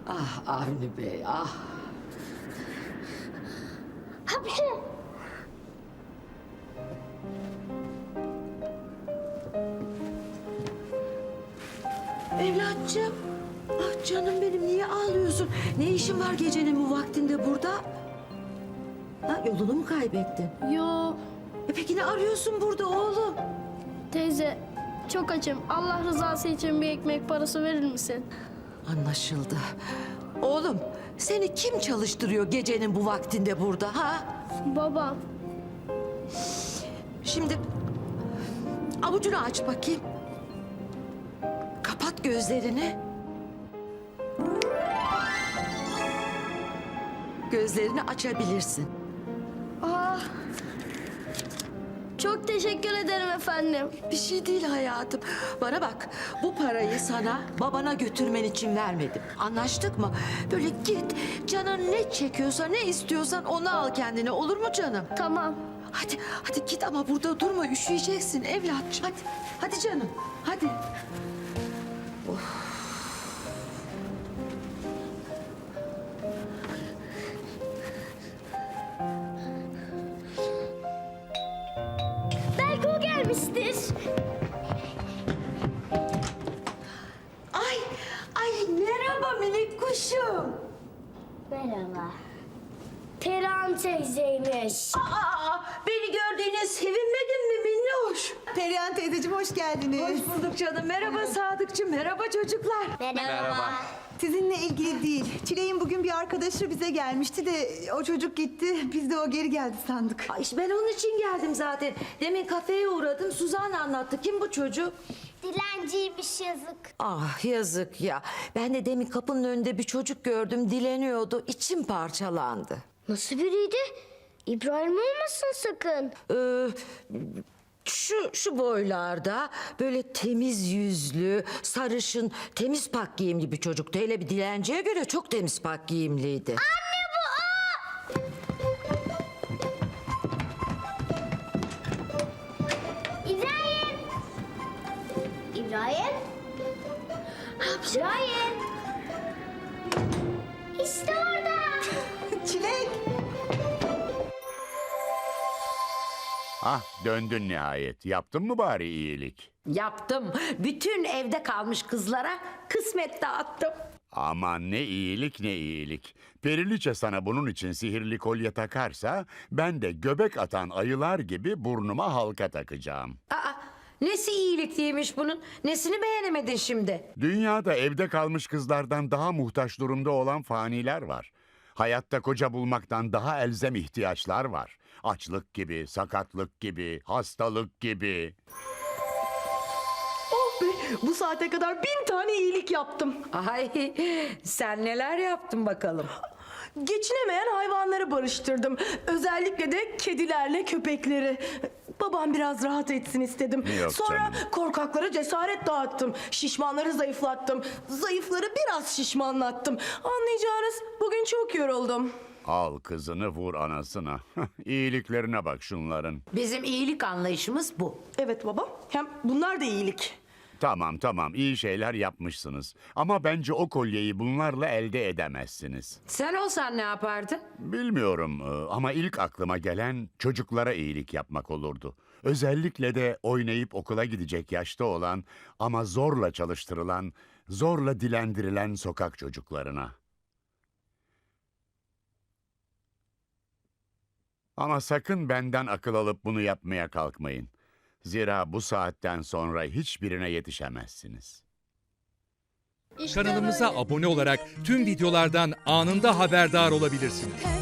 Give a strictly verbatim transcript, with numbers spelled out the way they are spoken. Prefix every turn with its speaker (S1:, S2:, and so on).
S1: Ah Avni Bey, ah.
S2: Hapşi.
S1: Evlatçım. Ah canım benim, niye ağlıyorsun? Ne işin var gecenin bu vaktinde burada? Ha, yolunu mu kaybettin?
S2: Yo
S1: E peki ne arıyorsun burada oğlum?
S2: teyze, çok açım. Allah rızası için bir ekmek parası verir misin?
S1: Anlaşıldı. Oğlum, seni kim çalıştırıyor gecenin bu vaktinde burada ha?
S2: Babam.
S1: Şimdi avucunu aç bakayım. Kapat gözlerini. Gözlerini açabilirsin.
S2: Ah. Çok teşekkür ederim efendim.
S1: Bir şey değil hayatım. Bana bak, bu parayı sana babana götürmen için vermedim. Anlaştık mı? Böyle git, canın ne çekiyorsa, ne istiyorsan onu al kendine. Olur mu canım?
S2: Tamam.
S1: Hadi, hadi git ama burada durma. Üşüyeceksin evlatçım. Hadi, hadi canım. Hadi.
S2: Belki o gelmiştir.
S1: Ay, ay merhaba minik kuşum.
S2: Merhaba. Perihan teyzeymiş.
S1: Aa, beni gördüğüne sevinmedin mi minnoş?
S3: Perihan teyzeciğim hoş geldiniz.
S1: Hoş bulduk canım. Merhaba Sadıkçım, merhaba çocuklar.
S2: Merhaba.
S3: Sizinle ilgili değil. Çilek'in bugün bir arkadaşı bize gelmişti de o çocuk gitti. Biz de o geri geldi sandık.
S1: Ay işte ben onun için geldim zaten. Demin kafeye uğradım, Suzan anlattı. Kim bu çocuk?
S2: Dilenciymiş, yazık.
S1: Ah yazık ya. Ben de demin kapının önünde bir çocuk gördüm, dileniyordu. İçim parçalandı.
S2: Nasıl biriydi? İbrahim olmasın sakın.
S1: Ee, şu şu boylarda böyle temiz yüzlü, sarışın, temiz pak giyimli bir çocuktu. Hele bir dilenciye göre çok temiz pak giyimliydi.
S2: İbrahim. İbrahim. İbrahim. İşte orada.
S3: Çilek!
S4: Ah döndün nihayet. Yaptın mı bari iyilik?
S5: Yaptım. Bütün evde kalmış kızlara kısmet dağıttım.
S4: Aman ne iyilik ne iyilik. Periliçe sana bunun için sihirli kolye takarsa ben de göbek atan ayılar gibi burnuma halka takacağım.
S5: Aa, nesi iyilikliymiş bunun? Nesini beğenemedin şimdi?
S4: Dünyada evde kalmış kızlardan daha muhtaç durumda olan faniler var. Hayatta koca bulmaktan daha elzem ihtiyaçlar var. Açlık gibi, sakatlık gibi, hastalık gibi.
S6: Oh be, bu saate kadar bin tane iyilik yaptım.
S5: Ay, sen neler yaptın bakalım?
S6: Geçinemeyen hayvanları barıştırdım. Özellikle de kedilerle köpekleri. Babam biraz rahat etsin istedim.
S4: Yok
S6: Sonra
S4: canım.
S6: korkaklara cesaret dağıttım. Şişmanları zayıflattım. Zayıfları biraz şişmanlattım. Anlayacağınız bugün çok yoruldum.
S4: Al kızını vur anasına. İyiliklerine bak şunların.
S5: Bizim iyilik anlayışımız bu.
S6: Evet baba, hem bunlar da iyilik.
S4: Tamam tamam iyi şeyler yapmışsınız. Ama bence o kolyeyi bunlarla elde edemezsiniz.
S5: Sen olsan ne yapardın?
S4: Bilmiyorum e, ama ilk aklıma gelen çocuklara iyilik yapmak olurdu. Özellikle de oynayıp okula gidecek yaşta olan ama zorla çalıştırılan, zorla dilendirilen sokak çocuklarına. Ama sakın benden akıl alıp bunu yapmaya kalkmayın. Zira bu saatten sonra hiçbirine yetişemezsiniz.
S7: Kanalımıza abone olarak tüm videolardan anında haberdar olabilirsiniz.